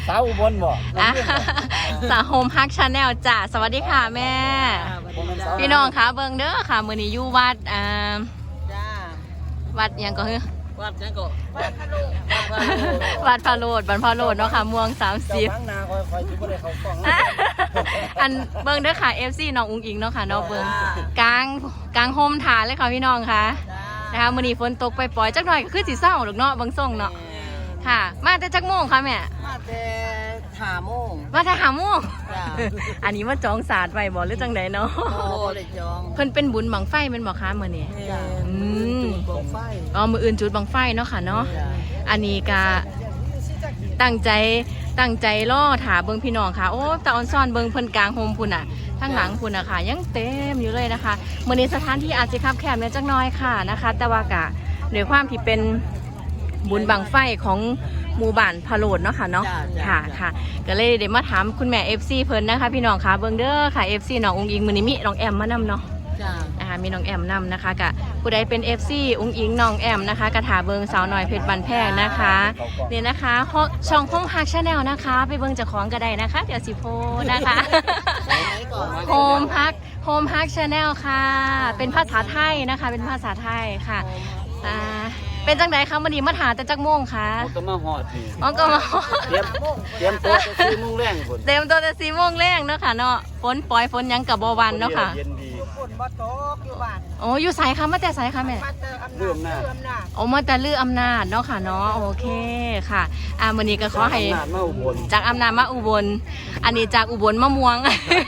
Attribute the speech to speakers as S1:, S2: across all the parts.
S1: สาวอุบลบ่
S2: สาวโฮมฮักชาแนลจ้ะสวัสดีค่ะแม่พี่น้องคะเบิ่งเด้อค่ะมื้อนี้อยู่วัดวัดยังก็คือ
S3: วัดยังก็
S2: วัดพระโลดบ้านพระโลดเนาะค่ะม่วง30อันเบิ่งเด้อค่ะ FC น้องอุ้งอิงเนาะค่ะเนาะเบิ่งกลางโฮมฐานเลยค่ะพี่น้องค่ะนะคะมื้อนี้ฝนตกปล่อยๆจักหน่อยก็คือสิเศร้าดอกเนาะบางส่งเนาะค่ะมาแต่จักโมงค่ะแม่
S3: มาแต่5 โมง
S2: มาแต่5 โมงอันนี้มาจองศาสตร์ไว้บ่หรือจังไดเนาะ
S3: เลยจอง
S2: เพิ่นเป็นบุญบังไฟแม่นบ่คะมื้อนี้
S3: บังไฟ
S2: มื้ออื่นจุดบังไฟเนาะค่ะเนาะอันนี้ก็ตั้งใจรอถาเบิ่งพี่น้องค่ะโอ้ตาออนซ่อนเบิ่งเพิ่นกลางโฮมพุ่นน่ะข้างหลังพุ่นน่ะค่ะยังเต็มอยู่เลยนะคะมื้อนี้สถานที่อาจจะคับแคบนิดจักหน่อยค่ะนะคะแต่ว่าก็ด้วยความที่เป็นบุญบังไฟของหมู่บ้านพะโลดเนาะค่ะเนาะค่ะก็เลยเดี๋ยวมาถามคุณแม่ FC เพิ่นนะคะพี่น้องค่ะเบิ่งเด้อค่ะ FC น้องอุ้งอิงมื้อนี้มีน้องแอมมานำเนาะนะคะมีน้องแอมนำนะคะกะผู้ใดเป็น FC อุ้งอิงน้องแอมนะคะกระถาเบิงสาวน้อยเพชรบันแพงนะคะเนี่ยนะคะช่องห้องฮักชาแนลนะคะไปเบิงจากของก็ได้นะคะเดี๋ยวสิโพนะคะโฮมฮักชาแนลค่ะเป็นภาษาไทยนะคะเป็นภาษาไทยค่ะเป็นจังไดคะวันนี้มาถาแต่จักโมงค่ะ
S1: ก็มาหอดนี่
S2: ก็มา
S1: เตรียมตัวจะ4 โมงแรงพุ่น
S2: เตรียมตัวจะ4 โมงแรงเนาะค่ะเนาะฝนปล่อยฝนยังกับบ่วันเนาะค่ะ
S3: ฝนบ่ตกอยู่บ้าน
S2: โอ้อยู่ไสคะมาแต่ไสคะแม่
S1: ลืมหน้า
S2: โอ้มาแต่ลืออำนาจเนาะค่ะเนาะโอเคค่ะวันนี้ก็ขอให้จากอำนาจมาอุบลอันนี้จากอุบลมะม่วง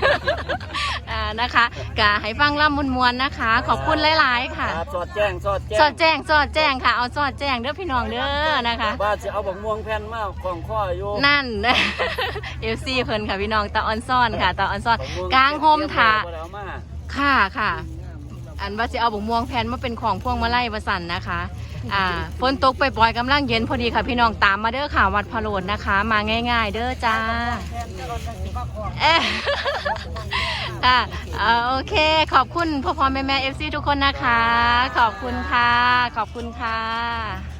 S2: นะคะก็ให้ฟังล่ำมวลๆนะคะขอบคุณหลายๆค่ะ
S1: สอดแจ้ง
S2: ค่ะเอาสอดแจ้งเด้อพี่น้องเด้อนะคะ
S1: ว่าจะเอาบักม่วงแผ่นมาของข้ออยู่
S2: นั่นFC เพิ่นค่ะพี่น้องตาออนซ่อนค่ะตาออนซ่อนกลางโฮมถาค่ะอันว่าจะเอาบักม่วงแผ่นมาเป็นของพวงมาลัยประสันนะคะฝนตกปล่อยๆกำลังเย็นพอดีค่ะพี่น้องตามมาเด้อค่ะวัดพะโลดนะคะมาง่ายๆเด้อจ้าโอเคขอบคุณพ่อแม่ FC ทุกคนนะคะขอบคุณค่ะ